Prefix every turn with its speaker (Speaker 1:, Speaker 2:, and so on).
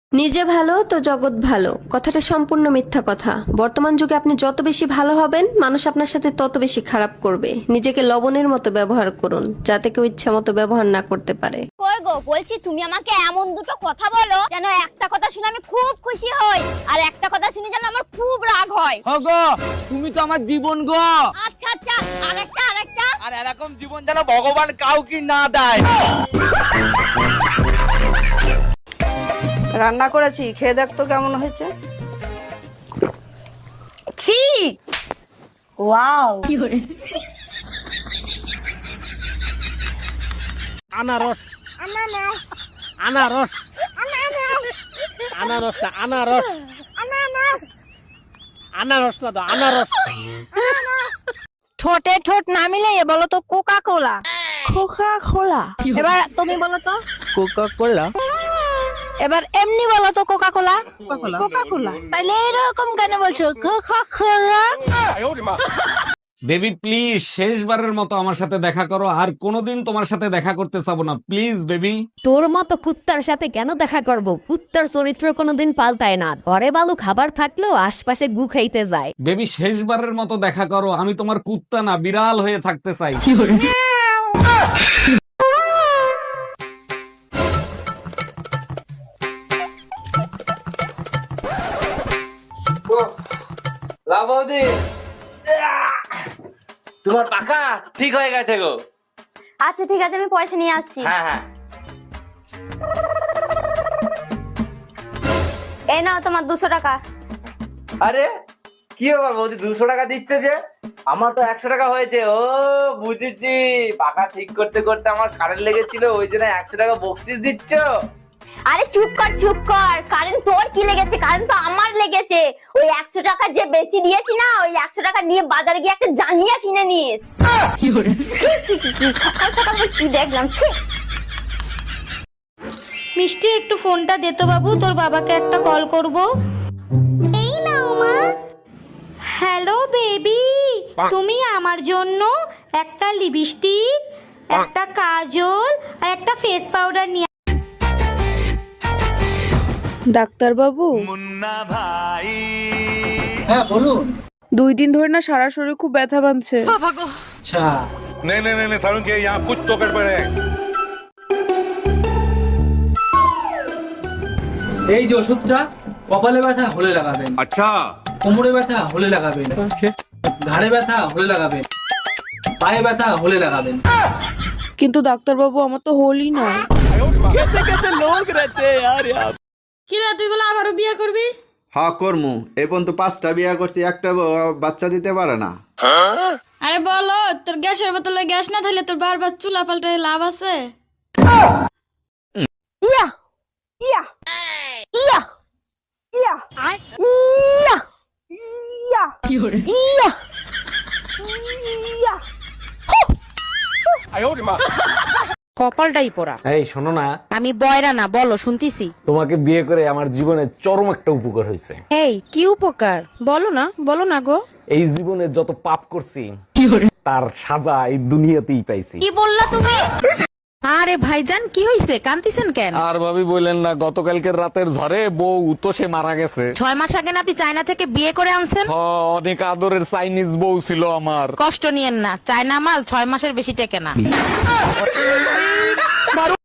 Speaker 1: নিজে ভালো তো জগৎ ভালো কথাটা সম্পূর্ণ মিথ্যা কথা। বর্তমান যুগে আপনি যত বেশি ভালো হবেন মানুষ আপনার সাথে তত বেশি খারাপ করবে। নিজেকে লবণের মতো ব্যবহার করুন যাতে কেউ ইচ্ছা মতো ব্যবহার না করতে পারে।
Speaker 2: কই গো, বলছি তুমি আমাকে এমন দুটো কথা বলো যেন একটা কথা শুনে আমি খুব খুশি হই আর একটা কথা শুনে যেন আমার খুব রাগ হয়।
Speaker 3: গো তুমি তো আমার জীবন গো।
Speaker 2: আচ্ছা আচ্ছা, আরেকটা।
Speaker 3: আর এরকম জীবন যেন ভগবান কাউকে না দেয়।
Speaker 4: রান্না করেছি, খেয়ে দেখ তো কেমন হয়েছে।
Speaker 2: ছি, ওয়াও।
Speaker 3: আনারস আনারস আনারস আনারস আনারস না তো আনারস।
Speaker 2: ঠোঁটে ঠোঁট না মিলে বলো তো কোকা কোলা।
Speaker 4: Coca Cola.
Speaker 2: এবার তুমি বলো তো।
Speaker 3: Coca Cola.
Speaker 2: এবার এমনি বলো তো কোকা কোলা।
Speaker 4: কোকা কোলা।
Speaker 2: তাইলে এরকম কেন বলছো কোকা কোলা?
Speaker 5: বেবি প্লিজ শেষবারের মতো আমার সাথে দেখা করো, আর কোনোদিন তোমার সাথে দেখা করতে চাবো না, প্লিজ বেবি।
Speaker 6: তোর মতো কুত্তার সাথে কেন দেখা করব? কুত্তার চরিত্র কোনোদিন পাল্টায় না। ঘরে বালু খাবার থাকলেও আশপাশে গু খাইতে যায়।
Speaker 5: বেবি শেষবারের মতো দেখা করো, আমি তোমার কুত্তা না বিড়াল হয়ে থাকতে চাই।
Speaker 3: লাভদি তোমার পাকা ঠিক হয়ে গেছে গো।
Speaker 2: আচ্ছা ঠিক আছে, আমি পয়সা নিয়ে আসছি।
Speaker 3: হ্যাঁ হ্যাঁ।
Speaker 2: এই নাও তোমার 200 টাকা।
Speaker 3: আরে কি বাবা বৌদি 200 টাকা দিচ্ছে যে? আমার তো 100 টাকা হয়েছে। ও বুঝেছি, পাকা ঠিক করতে করতে আমার কারেন্ট লেগেছিল, ওই জন্য 100 টাকা বকশিস দিচ্ছ।
Speaker 2: আরে চুপ কর, কারেন্ট তোর কি লেগেছে? কারেন্ট তো আমার লেগেছে। ওই 100 টাকা যে বেশি দিয়েছি না, ওই 100 টাকা নিয়ে বাজারে গিয়ে একটা জাঙ্গিয়া কিনে নিস। ছি, সকাল সকাল কি দেখলাম, ছি।
Speaker 7: মিষ্টি একটু ফোনটা দে তো বাবু, তোর বাবাকে একটা কল করব।
Speaker 2: এই নাও মা।
Speaker 7: হ্যালো বেবি, তুমি আমার জন্য একটা লিপস্টিক, একটা কাজল আর একটা ফেস পাউডার নিয়ে।
Speaker 4: ডাক্তার বাবু,
Speaker 3: হ্যাঁ বলুন।
Speaker 4: 2 দিন ধরে না সারা শরীর খুব ব্যথা বাঁধছে।
Speaker 3: আচ্ছা
Speaker 8: नहीं नहीं नहीं नहीं सारुण के यहाँ कुछ तो गड़बड़ है।
Speaker 9: এই যে ওষুধটা কপালে ব্যথা হলে লাগাবেন,
Speaker 8: अच्छा
Speaker 9: কোমরে ব্যথা হলে লাগাবেন, ঘাড়ে ব্যথা হলে লাগাবেন, পায়ে ব্যথা হলে লাগাবেন।
Speaker 4: কিন্তু ডাক্তার বাবু আমার তো হোলই নয়।
Speaker 7: কিরা তুই বলে আবারও বিয়ে করবি?
Speaker 10: হ্যাঁ করমু, এই পর্যন্ত 5টা বিয়া করছি, একটা বাচ্চা দিতে পারে না।
Speaker 7: আরে বলো, তোর গ্যাসের বোতলে গ্যাস না থাকলে তোর বারবার চুলা পাল্টায় লাভ আছে?
Speaker 4: ইয়া ইয়া ইয়া ইয়া ইয়া ইয়া ইয়া ইয়া।
Speaker 6: কপালটাই পোড়া।
Speaker 5: এই শোনো না,
Speaker 6: আমি বয়রা না, বলো শুনতিছি।
Speaker 5: তোমাকে বিয়ে করে আমার জীবনে চরম একটা উপকার হয়েছে।
Speaker 6: এই কি উপকার? বলো না গো।
Speaker 5: এই জীবনে যত পাপ করছি তার সাজা এই দুনিয়াতেই পাইছি।
Speaker 6: কি বললা তুমি? আরে ভাইজান কি হইছে, কান্তিছেন কেন?
Speaker 5: আর ভাবি বললেন না, গতকালকের রাতের ঝড়ে বউ তো সে মারা গেছে।
Speaker 6: 6 মাস আগে না আপনি চায়না থেকে বিয়ে করে আনছেন?
Speaker 5: অনেক আদরের চাইনিজ বউ ছিল আমার।
Speaker 6: কষ্ট নিয়েন না, চায়না মাল 6 মাসের বেশি টেকে না।